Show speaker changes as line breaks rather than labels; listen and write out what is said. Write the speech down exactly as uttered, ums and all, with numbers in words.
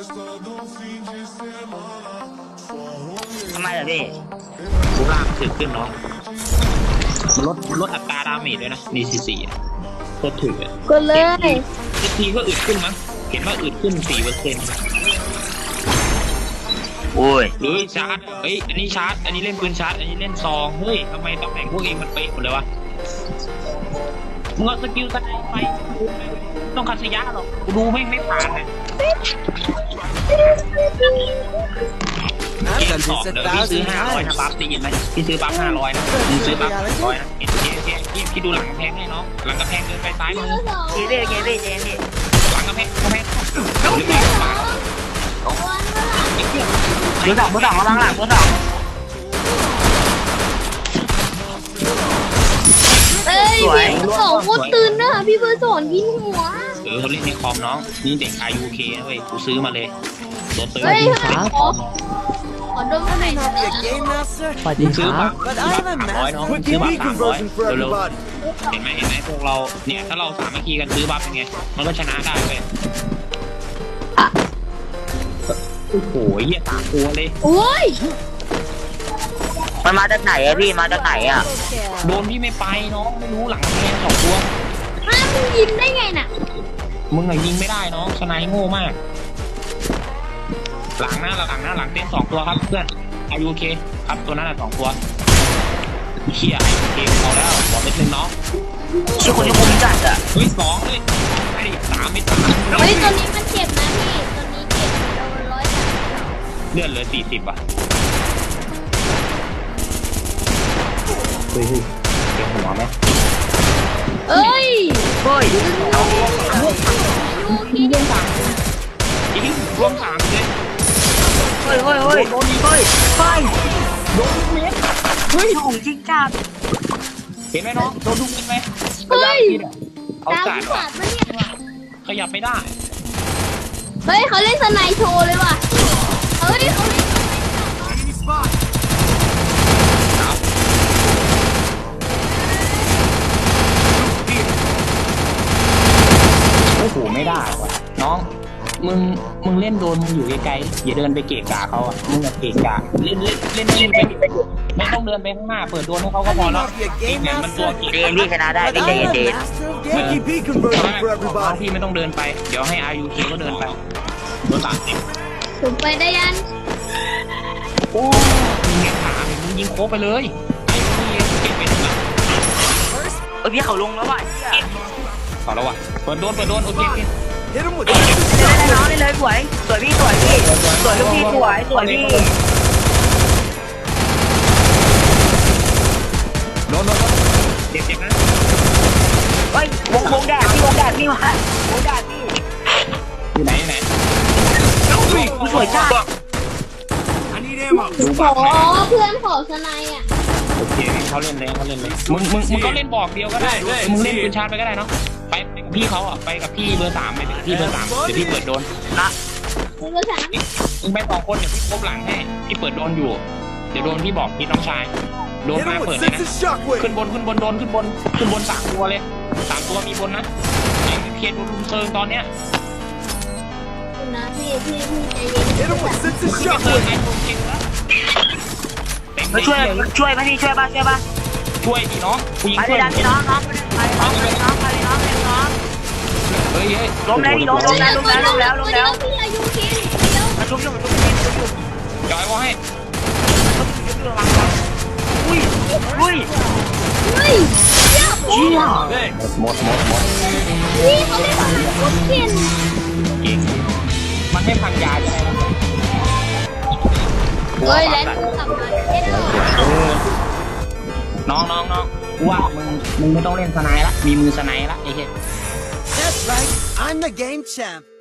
ทำไมล่ะพี่
รูปร่างถึกขึ้นเนาะมันลดลดอัตราดาเมจด้วยนะดีซีสี่โคตรถึกอ่ะ
กดเลย
ทีก็อึดขึ้นมั้งเห็นว่าอึดขึ้นสี่เปอร์เซ็นต์
โอ้ย
หรือชาร์จเฮ้ยอันนี้ชาร์จอันนี้เล่นปืนชาร์จอันนี้เล่นซองเฮ้ยทำไมตำแหน่งพวกเองมันเป๊ะหมดเลยวะมึงเอาสกิลสไนไปต้องคัดสยะหรอกกูดูไม่ไม่ผ่านเลยเกมสองเดี๋ยวพี่ซื้อห้าร้อยนะปั๊บได้ยินไหมพี่ซื้อปั๊บห้าร้อยนะมึงซื้อปั๊บร้อยนะเอ็นเจเจพี่พี่ดูหลังกำแพงให้น้องหลังกำแพงเดินไปซ้ายมือ
เจเจเจเจเจเจ
หลังกำแพงกำแพงหรือไม่ก็มา
เบอร์สองเบอร์สองกำลังหลังเบอร์สอง
เอ้ยพี่เบอร์สองโคตรตื่นนะพี่เบอร์สองยิงหัว
เออเขาเล่นในคอมน้องนี่เด็กอายุเคนะเว้ยกูซื้อมาเลยตัวตื่น
เฮ้ยขอขอดมหน่อยนะ
สวัสดีค
ซื้อ
รั
มา
บ
สามร้อยน้องซื้อมาสามร้อยเร็วๆเห็นไหมเห็นไหมพวกเราเนี่ยถ้าเราสามัคคีกันซื้อบัฟเป็นไงมันก็ชนะได้เว้ยโอ้โหเหี้ยสามตัวเลย
โอ้ย
มันมาจากไหนอะพี่มาจากไหนอะ
โดนพี่ไม่ไปน้องไม่รู้หลังแค่สองตัว
อ้าวมึงยิงได้ไงน่ะ
มึงอะยิงไม่ได้น้องสไนโง่มากหลังหน้าหลังหน้าหลังเต้นสองตัวครับเพื่อนอายุเคครับตัวนั้นอะสองตัวเชี่ยไอเคเอาแล้วบอกนิดนึงน้อง
ชื่อคนที่คุ้มจัดอะ
เฮ้ยสองเลยไอ้สามไม่สาม
เฮ้ยตัวนี้มันเจ็บนะพี่ตัวนี้เจ็บโดนร้อยสาม
เลื่อนเลยสี่สิบอ่ะเฮ้ยเต็มหัวไหม
เอ้ย
เฮ้ย
ยูคีเดียวสาม
อีกทีรวมสามเลย
เฮ้ยเฮ้ยเฮ้ยโดนเฮ้ยเฮ้ยโดนเม็ดเฮ้ยของจริงจัด
เห็นไหมน้องโดนลูกเม็ดไหม
เฮ้ย
เอาสายว่ะขยับไม่ได้
เฮ้ยเขาเล่นสไนโชว์เลยว่ะเฮ้ยเขาเล่น
โอ้โหไม่ได้ว่ะน้องมึงมึงเล่นโดนมึงอยู่ไกลๆอย่าเดินไปเกะกะเขาอ่ะมึงอย่าเกะกะเล่นเล่นเล่นเล่นไปไม่ต้องเดินไปข้างหน้าเปิดโดนให้เขาก็พอแล้วเนี่ยมันตัวเกะ
เจนพี่ชนะได้พี่เจนเจน
พี่ไม่ต้องเดินไปเดี๋ยวให้อายุเคก็เดินไปโดนสามสิบ
ผมไปได้ยัน
โอ้มึงเงี้ยขามึงยิงโค้ไปเลยไอ้พี่เก็บไปถึงอ่ะ
เออพี่เขาลงแล้วว่ะ
ต่อแล้วว่ะเปิดโดนเปิดโดนโอเคโอเค
เล่นได้น้องเล่นเลยสวยสวยพี่สวยพี่สวยลูกพี่สวยสวยพี่
โดนโดนเจ็บเจ็บนะ
เฮ้ยวงวงแดดพี่วงแดดพี่มาวงแดดพี่
อยู่ไหนไหน
สวยจ้า
ขอเพื่อนขอสไนอ่ะ
โอเคเขาเล่นเลยเขาเล่นเลยมึงมึงมึงก็เล่นบอกเดียวก็ได้มึงเล่นปืนชาร์จไปก็ได้เนาะไปพี่เขาอ่ะไปกับพี่เบอร์สามไปพี่เบอร์สามเดี๋ยวพี่เปิดโดน
นะ
เบอร์สาม
มึงไปสองคนเดี๋ยวพี่คบหลังให้พี่เปิดโดนอยู่เดี๋ยวโดนพี่บอกพี่น้องชายโดนมาเปิดเลยนะขึ้นบนขึ้นบนโดนขึ้นบนขึ้นบนสามตัวเลยสามตัวมีบนนะไอ้เพียรโดนลุมเซิงตอนเนี้ย
นะพี่พี่พี่ใจเย็นขึ้นไป
เซิงไอ้คนเก่งนะ
มาช่วยช่วยมาที่ช่วยบ้างช่วยบ้าง
ช่วยดิน้องผู้หญิงช่วย
พี่น้องน้องไปน้องไปน้องไปน้องไปน้อง
เฮ้ยเฮ้ย
ล้มแล้วพี่ล้มล้มแล้วล้มแล้วล้มแล้วล้มแล้ว
พี่อายุคิด
มาชุบชุบชุบชุบชุบชุบ
จอยว่าให้
อุ้ยอุ้ย
เฮ้ยเชี่ย
หมดหมดหมด
นี่เขาเล่นแบบโคตรเก่ง
เก่งมันไม่พังยาใช่ไหม
เฮ้ยแล้วกลับมาเล่น
น้องน้องน้องว่ามึงมึงไม่ต้องเล่นสไนละมีมือสไนละไอ้เหี้ย
That's right I'm the game champ